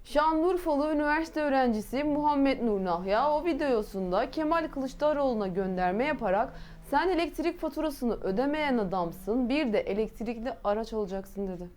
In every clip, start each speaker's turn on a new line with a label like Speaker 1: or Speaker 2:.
Speaker 1: Şanlıurfalı üniversite öğrencisi Muhammed Nur Nahya o videosunda Kemal Kılıçdaroğlu'na gönderme yaparak "Sen elektrik faturasını ödemeyen adamsın, bir de elektrikli araç alacaksın" dedi.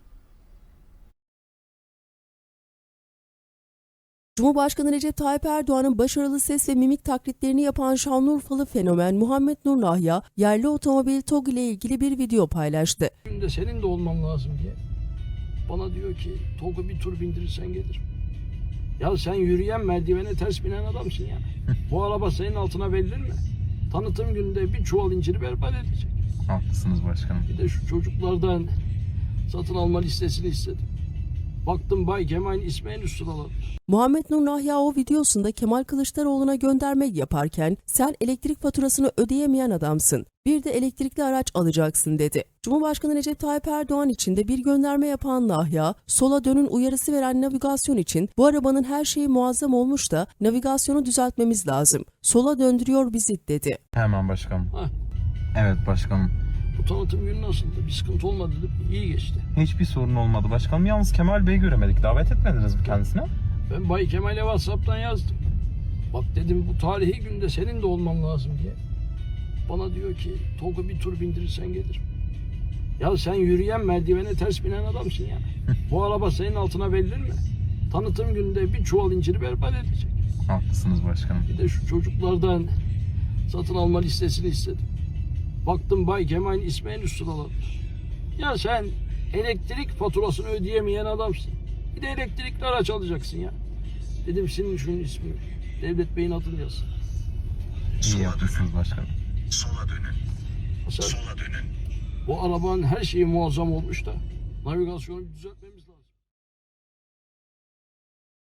Speaker 2: Cumhurbaşkanı Recep Tayyip Erdoğan'ın başarılı ses ve mimik taklitlerini yapan Şanlıurfalı fenomen Muhammed Nur Nahya, yerli otomobil TOG ile ilgili bir video paylaştı.
Speaker 3: Günde senin de olman lazım diye. Bana diyor ki TOG'u bir tur bindirirsen gelirim. Ya sen yürüyen merdivene ters binen adamsın ya. Bu araba senin altına verilir mi? Tanıtım gününde bir çuval inciri berbat edecek.
Speaker 4: Haklısınız başkanım.
Speaker 3: Bir de şu çocuklardan satın alma listesini istedim. Baktım Bay Kemal'in ismi en üst sıraladı.
Speaker 2: Muhammed Nur Nahya o videosunda Kemal Kılıçdaroğlu'na gönderme yaparken "Sen elektrik faturasını ödeyemeyen adamsın, bir de elektrikli araç alacaksın" dedi. Cumhurbaşkanı Recep Tayyip Erdoğan için de bir gönderme yapan Nahya, "Sola dönün uyarısı veren navigasyon için bu arabanın her şeyi muazzam olmuş da navigasyonu düzeltmemiz lazım. Sola döndürüyor bizi" dedi.
Speaker 4: Hemen başkanım.
Speaker 3: Hah,
Speaker 4: Evet başkanım.
Speaker 3: bu tanıtım günü nasıldı? Bir sıkıntı olmadı değil mi? İyi geçti.
Speaker 4: Hiçbir sorun olmadı başkanım. Yalnız Kemal Bey'i göremedik. Davet etmediniz mi kendisine?
Speaker 3: Ben Bay Kemal'e WhatsApp'tan yazdım. Bak dedim bu tarihi günde senin de olman lazım diye. Bana diyor ki TOG'u bir tur bindirirsen gelirim. Ya sen yürüyen merdivene ters binen adamsın ya. Bu araba senin altına verilir mi? Tanıtım gününde bir çuval inciri berbat edecek.
Speaker 4: Haklısınız başkanım.
Speaker 3: Bir de şu çocuklardan satın alma listesini istedim. Baktım Bay Kemal'in ismi en üst sıraladı. Ya sen elektrik faturasını ödeyemeyen adamsın. Bir de elektrikli araç alacaksın ya. Dedim senin şunun ismi Devlet Bey'in adını yaz.
Speaker 4: İyi yapmışsınız başkanım.
Speaker 5: Sola dönün.
Speaker 3: Mesela
Speaker 5: Sola dönün.
Speaker 3: bu arabanın her şeyi muazzam olmuş da navigasyonu düzeltmemiz